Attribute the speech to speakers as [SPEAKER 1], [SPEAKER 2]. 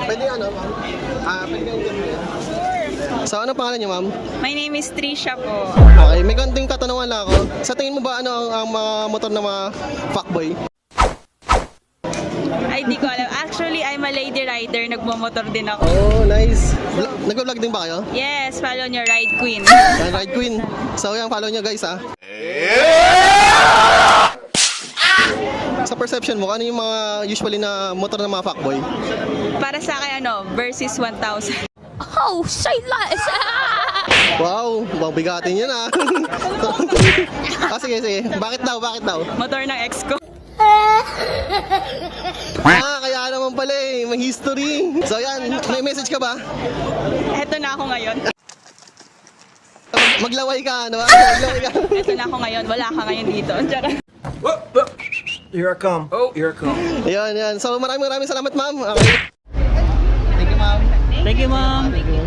[SPEAKER 1] Pwede ano, ma'am? Pwede kang interview. So, ano pangalan niyo, ma'am?
[SPEAKER 2] My name is Trisha po.
[SPEAKER 1] Okay, may konting katanungan lang ako. Sa tingin mo ba ano ang mga motor ng mga fuckboy?
[SPEAKER 2] Ay, di ko alam. Actually, I'm a lady rider. Nagmamotor din ako.
[SPEAKER 1] Oh, nice. Nag-vlog din ba kayo?
[SPEAKER 2] Yes, follow nyo, Ride Queen.
[SPEAKER 1] Yan, Ride Queen. So, yan, follow nyo guys, ha. Sa perception mo, ano yung mga usually na motor ng mga fuckboy?
[SPEAKER 2] Para sa akin, versus 1,000.
[SPEAKER 3] Oh, say less.
[SPEAKER 1] Wow, bigatin yun, ha. Sige, sige. Bakit daw, bakit daw?
[SPEAKER 2] Motor ng ex ko.
[SPEAKER 1] Kaya naman pala eh, may history. So yan, may message ka ba?
[SPEAKER 2] Eto na ako ngayon.
[SPEAKER 1] Maglaway ka, ano ba? Maglaway ka.
[SPEAKER 2] Eto na ako ngayon. Wala ka ngayon dito. Charot.
[SPEAKER 4] Here I come. Oh, here I come.
[SPEAKER 1] Yan, yan. So maraming salamat, ma'am. Okay.
[SPEAKER 2] Thank you, ma'am.